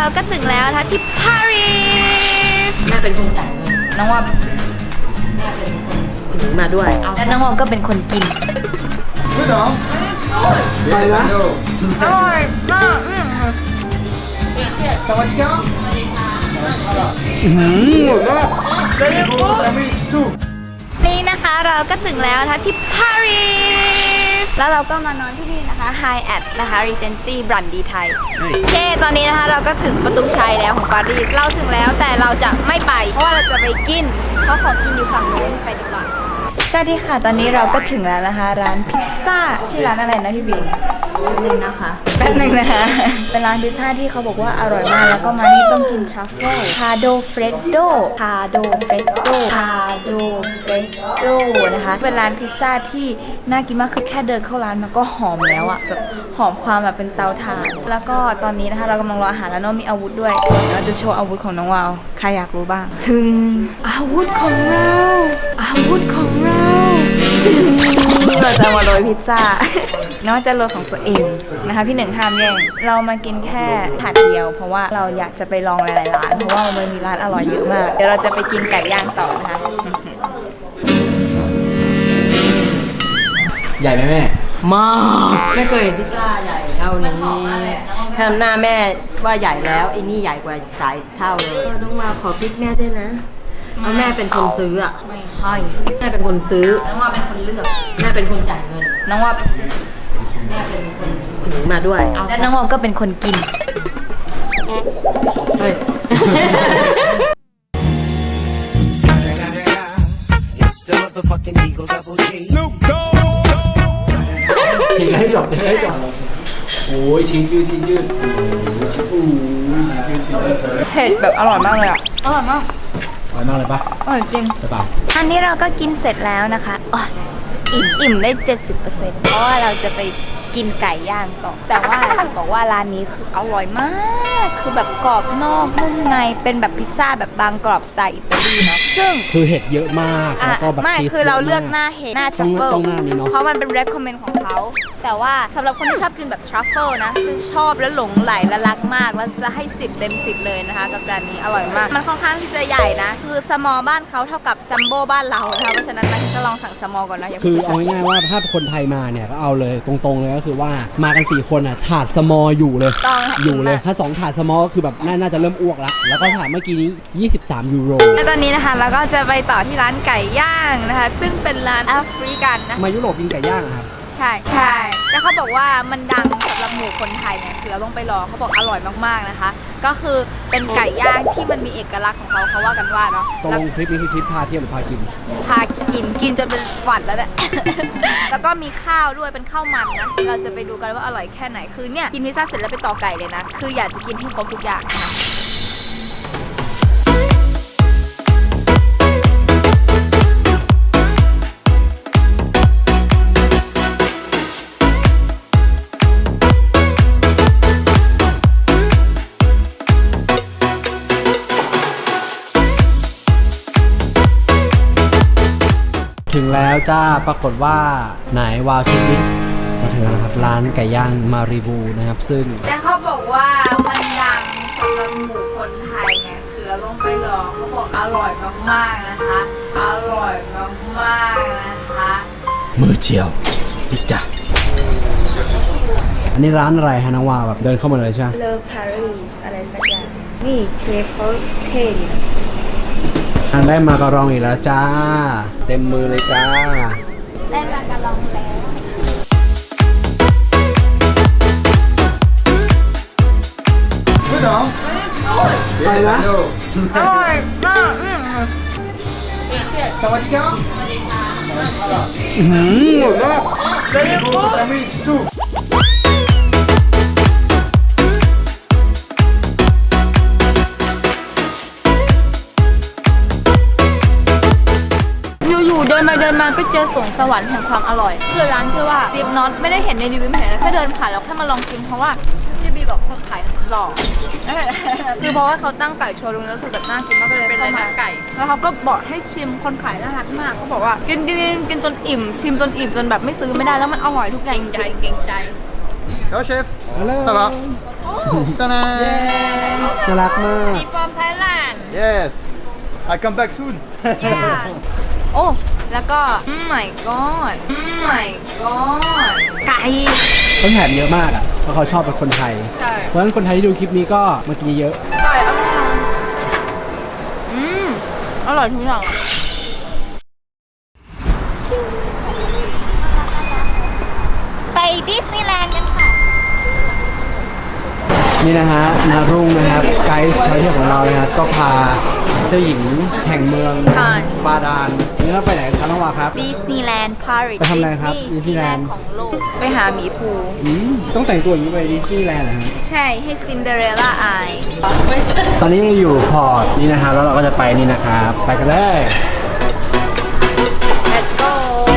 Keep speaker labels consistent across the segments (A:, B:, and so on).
A: ก็ถึงแล้วนะคะที่ปารีส
B: แม่เป็นคนจ่ายเงิน
A: น้องว่า
B: แม่เป็นคนถือมาด้วย
A: และน้องวอมก็เป็นคนกิน
C: ไม่หรอไปนะ
A: อร่อยมาก
C: สวัสดีครับ
A: นี่นะคะเราก็ถึงแล้วนะคะที่ปารีสแล้วเราก็มานอนที่นี่นะคะ Hyatt นะคะ Regency บรันดีไทยเย้ตอนนี้นะคะเราก็ถึงประตูชัยแล้วของปารีสเราถึงแล้วแต่เราจะไม่ไปเพราะว่าเราจะไปกินเพราะของกินอยู่ฝั่งนู้นไปดีกว่าสวัสดีค่ะตอนนี้เราก็ถึงแล้วนะคะร้านพิซซ่าชื่อร้านอะไรนะพี่บิน
B: นึงนะคะ
A: แป๊บนึงนะคะเป็นร้านพิซซ่าที่เขาบอกว่าอร่อยมากแล้วก็มานี่ต้องกินทรัฟเฟิลคาโดเฟรดโดคาโดเฟรดโดคาโดเฟรดโดนะคะเป็นร้านพิซซ่าที่น่ากินมากคือแค่เดินเข้าร้านมันก็หอมแล้วอะแบบหอมความแบบเป็นเตาถ่านแล้วก็ตอนนี้นะคะเรากำลังรออาหารแล้วน้องมีอาวุธด้วยเราจะโชว์อาวุธของน้องวาวใครอยากรู้บ้างถึงอาวุธของเราอาวุธของเราถึงเราจะมาโรยพิซซ่าน้องจะโรยของตัวเองนะคะพี่หนึ่งห้ามแย่งเรามากินแค่ถาดเดียวเพราะว่าเราอยากจะไปลองหลายๆร้านเพราะว่ามันมีร้านอร่อยเยอะมากเดี๋ยวเราจะไปกินไก่ย่างต่อนะคะ
C: ใหญ่ไหมแม่
B: มากไม่เคยเห็นพิซซ่าใหญ่เท่านี้ทำหน้าแม่ว่าใหญ่แล้วไอ้นี่ใหญ่กว่าสายเท่าเลยต้องมาขอพริกแม่ด้วยนะเพราะแม่เป็นคนซื้ออ่ะ
A: ไม่ให้
B: แม่เป็นคนซื้อ
A: น้องว่าเป็นคนเลือก
B: แม่เป็นคนจ่ายเงิน
A: น้องว่า
B: แม่เป็นคนถือมาด้วย
A: และน้องวอมก็เป็นคนกิน
B: เฮ้ย
C: ทีให้จบทีให้จบโอ้ยชิ้นยืดชิ้นยืดโอ้ยชิ้นอู้ยชิ้นยืดชิ้นยืด
A: เผ็ดแบบอร่อยมากเลยอะอร่อยมาก
C: อร่อยมากเลยปะ
A: อร่อยจริง
C: ใช่ปะ
A: อันนี้เราก็กินเสร็จแล้วนะคะอิ่มได้ 70% เพราะว่าเราจะไปกินไก่ย่างต่อแต่ว่าจะบอกว่าร้านนี้คืออร่อยมากคือแบบกรอบนอกนุ่มในเป็นแบบพิซซ่าแบบบางกรอบสไตล์อิตาลีเนาะซึ่ง
C: คือเห็ดเยอะมากแล้วก็แบบ
A: ไม่คือเราเลือกหน้าเห็ดหน้าทรัฟเฟิล
C: ต้องหน้านี้เนาะ
A: เพราะมันเป็น recommend ของเขาแต่ว่าสำหรับคนที่ชอบกินแบบทรัฟเฟิลนะจะชอบและหลงไหลและรักมากแล้วจะให้10 เต็ม 10เลยนะคะกับจานนี้อร่อยมากมันค่อนข้างที่จะใหญ่นะคือสมอลบ้านเขาเท่ากับจัมโบ้บ้านเรานะคะเพราะฉะนั้นนะก็ลองสั่งสมอลก่อนนะ
C: คือเอาง่ายๆว่าถ้าคนไทยมาเนี่ยก็เอาเลยตรงๆเลยก็คือว่ามากัน4 คนอ่ะถาดสมออยู่เลยอยู่เลยถ้า2 ถาดสมอก็คือแบบน่าจะเริ่มอ้วกแล้วก็ถาดเมื่อกี้นี้23 ยูโร
A: และตอนนี้นะคะเราก็จะไปต่อที่ร้านไก่ย่างนะคะซึ่งเป็นร้านแอฟริกันนะ
C: มายุโรปกินไก่ย่างครับ
A: ใช่แต่เขาบอกว่ามันดังสำหรับหมู่คนไทยไงคือเราต้องไปลองเขาบอกอร่อยมากๆนะคะก็คือเป็นไก่ย่างที่มันมีเอกลักษณ์ของเขาว่ากันว่าเนาะ
C: ตรงคลิปนี้คือคลิปพาเที่ยวหรือพากิน
A: กินจนเป็นหวัดแล้วแหละ แล้วก็มีข้าวด้วยเป็นข้าวมันนะเราจะไปดูกันว่าอร่อยแค่ไหนคือเนี่ยกินพิซซ่าเสร็จแล้วไปต่อไก่เลยนะคืออยากจะกินให้ครบทุกอย่างนะคะ
C: ถึงแล้วจ้าปรากฏว่าไหนวาวเช็คลิสต์มาถึงแล้วนะครับร้านไก่ย่างมารีบูนะครับซึ่ง
A: แต่เขาบอกว่ามันดังสำหรับหมู่คนไทยไงคือเราต้องไปลองเขาบอกอร่อยมากๆนะคะอร่อยมากๆนะคะ
C: มือเจียวพิจ้าอันนี้ร้านอะไรฮะน้องวาวแบบเดินเข้ามาเลยใช่ไหม
A: เลอปารีสอะไรสักอย่างนี่เชฟเขาเท่ดีนะ
C: ได้มาการองอีกแล้วจ้าเต็มมือเลยจ้า
A: ได้มาการองแล้ว
C: ไม่หรอไปนะ
A: อร่อยมาก
C: สวัสดีครับ
A: สวัสดีค่ะ
C: หมดแล้ว
A: เดินมาก็เจอสวนสวรรค์แห่งความอร่อยคือร้านชื่อว่าดิฟน็อตไม่ได้เห็นในรีวิวเห็นแค่เดินผ่านแล้วแค่มาลองกินเพราะว่าพี่บีบอกคนขายหล่อคือเพราะว่าเขาตั้งไก่โชว์ตรงนั้นแล้วคือแบบน่ากินมากเลยเป็นร้านไก่แล้วเขาก็บอกให้ชิมคนขายน่ารักมากเขาบอกว่ากินจนอิ่มชิมจนอิ่มจนแบบไม่ซื้อไม่ได้แล้วมันอร่อยทุกอย่างเก่งใจ
C: แล้วเชฟฮัลโหลตาตานาน่ารักมาก
A: from Thailand
D: Yes, I come back soon.
A: yeah โอ้ แล้วก็ my god my god ไก่
C: เขาแถมเยอะมากอ่ะเพราะเขาชอบเป็นคนไทย
A: ใช่
C: เพราะฉะนั้นคนไทยที่ดูคลิปนี้ก็มากินเยอะ
A: ไก่อร่อยอร่อยทุกอย่างไปดิสนีย์แลนด์กันค่ะ
C: นี่นะฮะนารุ่งนะครับไกด์ไทยของเรานะครับก็พาเจ้าหญิงแห่งเมือง
A: ค่ะ
C: บาดาลนี่เราไปไหนกันครับน้องวาครับ
A: ดิสนีย์แลนด์ปารีส
C: ไปทำอะไรครับ
A: ที่
C: ดิสนีย์
A: แร
C: แล
A: ก
C: นด์
A: ของโลก ไปหาหมีภู
C: ต้องแต่งตัวอย่างนี้ไปดิสนีย์แลนด์เหรอฮะ
A: ใช่ให้ซินเดอเรลล่าอาย
C: ตอนนี้เราอยู่พอร์ตนี่นะครับแล้วเราก็จะไปนี่นะครับไปกันเลย
A: Let's go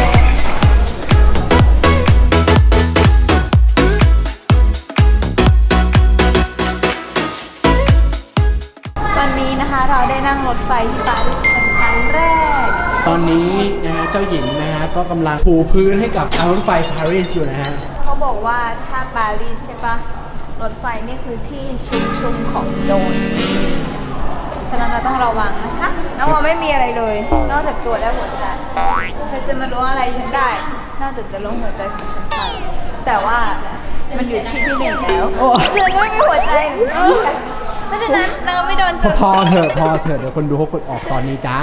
A: วันนี้นะคะเราได้นั่งรถไฟที่ปารีสเป็นครั้งแรก
C: ตอนนี้นะฮะเจ้าหญิงนะฮะก็กำลังปูพื้นให้กับรถไฟปารีสอยู่นะฮะ
A: เขาบอกว่าถ้าปารีสใช่ปะรถไฟนี่คือที่ชุมของโจรฉะนั้นเราต้องระวังนะคะน้องว่าไม่มีอะไรเลย นอกจากตัวและหัวใจเธอจะมาล้วงอะไรฉันได้ นอกจากจะล้วงหัวใจของฉันไปแต่ว่ามันอยู่ที่พี่หนึ่งแล้วเธอไม่มีหัวใจเพราะฉะนั้นเราไม่โดนโจร
C: พอเถอะเดี๋ยวคนดูเขากดออกตอนนี้จ้า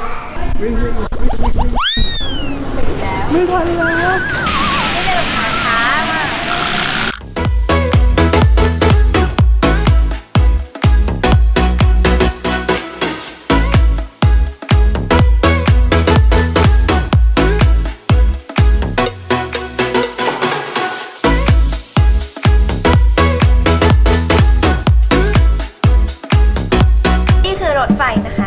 C: ไม่ทันแล้ว
A: ไม่ได้แบบช้ามากนี่คือรถไฟนะคะ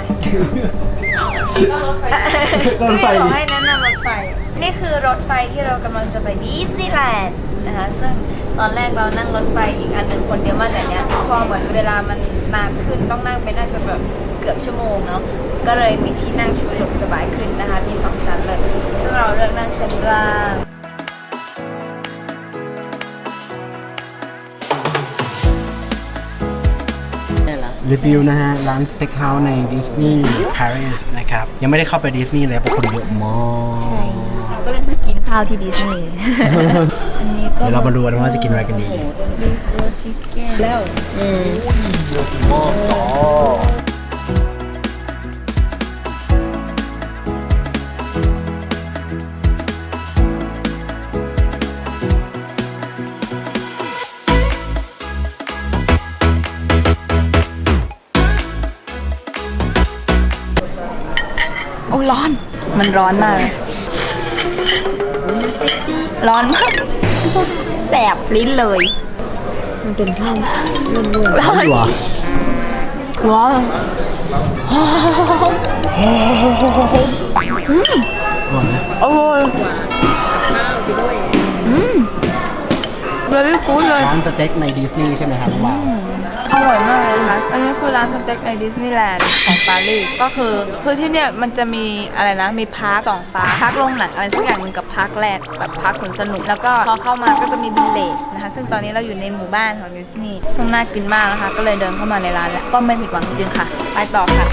C: รถไฟ
A: พี่บอกให้แนะนำรถไฟ นี่คือรถไฟที่เรากำลังจะไปดิสนีย์แลนด์นะคะ ซึ่งตอนแรกเรานั่งรถไฟอีกอันหนึ่งคนเดียวมากแต่เนี้ยพอเหมือนเวลามันนานขึ้นต้องนั่งไปน่าจะแบบเกือบชั่วโมงเนาะ ก็เลยมีที่นั่งที่สะดวกสบายขึ้นนะคะ มี2ชั้นเลย ซึ่งเราเลือกนั่งชั้นล่าง
B: นี่เหรอ
C: รีวิวนะฮะร้านสเต็กเฮาส์ในดิสนีย์ปารีสนะครับยังไม่ได้เข้าไปดิสนีย์เลยเพราะคนเยอะมาก
A: ใช่ เราก็เลยมากินข้าวที่ดิสนีย์ อันนี้ก็
C: เดี๋ยวเรามาดูกันว่าจะกินอะไรกันดี
A: บีฟโรสชิคเก้นแล้ว โอ้ร้อน มันร้อนมากเลยร้อนมาก แสบลิ้นเลย
B: มันเป็นข้าว
A: ร้อน
C: ดีวะ
A: ร้อนโอ้ยเลยกูดเลย
C: ร้านสเต็กในดิสนีย์ใช่ไหมครับว้าว
A: อร่อยมากเลยนะคะอันนี้คือร้านสเต็กในดิสนีย์แลนด์ของปารีสก็คือที่เนี่ยมันจะมีอะไรนะ มีพาร์ค2พาร์คพาร์คโรงหนังอะไรสักอย่างหนึงกับพาร์คแรกแบบพาร์คสวนสนุก แล้วก็พอเข้ามาก็จะมีวิลเลจนะคะ ซึ่งตอนนี้เราอยู่ในหมู่บ้านของดิสนีย์ซึ่งน่ากินมากนะคะ ก็เลยเดินเข้ามาในร้านแล้วก็ไม่ผิดหวังจริงๆค่ะ ไปต่อค่ะ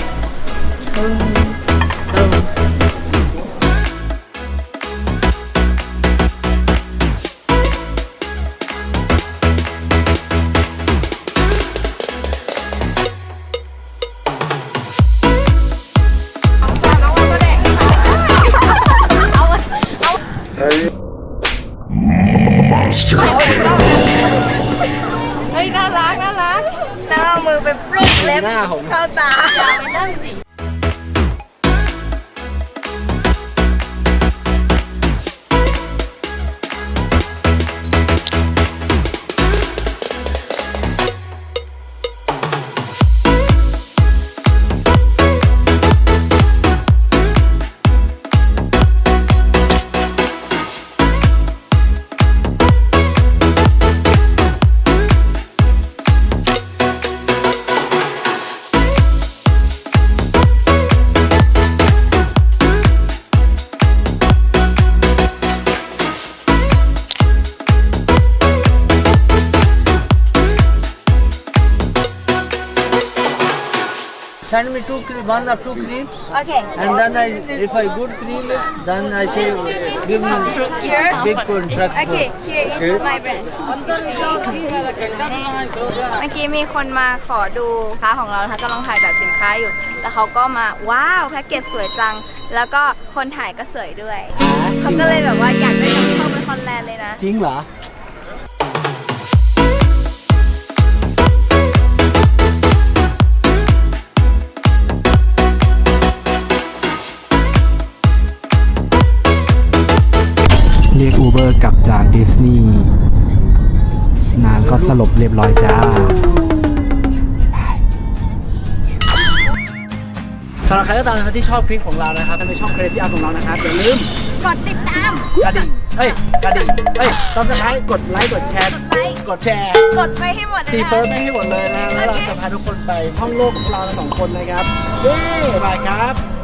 A: เฮ้ยน่ารักน่ารักแล้วเอามือไปปลุกเล็บ
C: หน้าผม
A: เข้าตาอย่าไปนั่งสิ
E: send me one or two clips,
A: โอเค
E: and then if I good cream it, then I say give me
A: Here?
E: big contract.
A: Okay, here is my brand เมื่อกี้มีคนมาขอดูสินค้าของเรานะคะกำลังถ่ายแบบสินค้าอยู่ แล้วเขาก็มาว้าวแพ็กเกจสวยจัง แล้วก็คนถ่ายก็สวยด้วย เขาก็เลยแบบว่าอยากได้นำเข้าไปฮอลแลนด์เลยนะ
C: จริงเหรอ เรียกอูเบอร์กลับจากดิสนีย์นางก็สลบเรียบร้อยจ้าสำหรับใครก็ตามนะครับที่ชอบคลิปของเรานะครับถ้าเป็นช่อง Crazy Art ของเรานะครับอย่าลืม
A: กดติดตาม
C: กระดิ่งซับสไครต์กดไลค์กดแชร์
A: ไลค์
C: กดแชร์
A: กดไปให้หมดเลย
C: ตี
A: นะ
C: เฟิร์สไม่ให้หมดเลยนะแล้วเราจะพาทุกคนไปท่องโลกของเราทั้งสองคนนะครับเย้บายครับ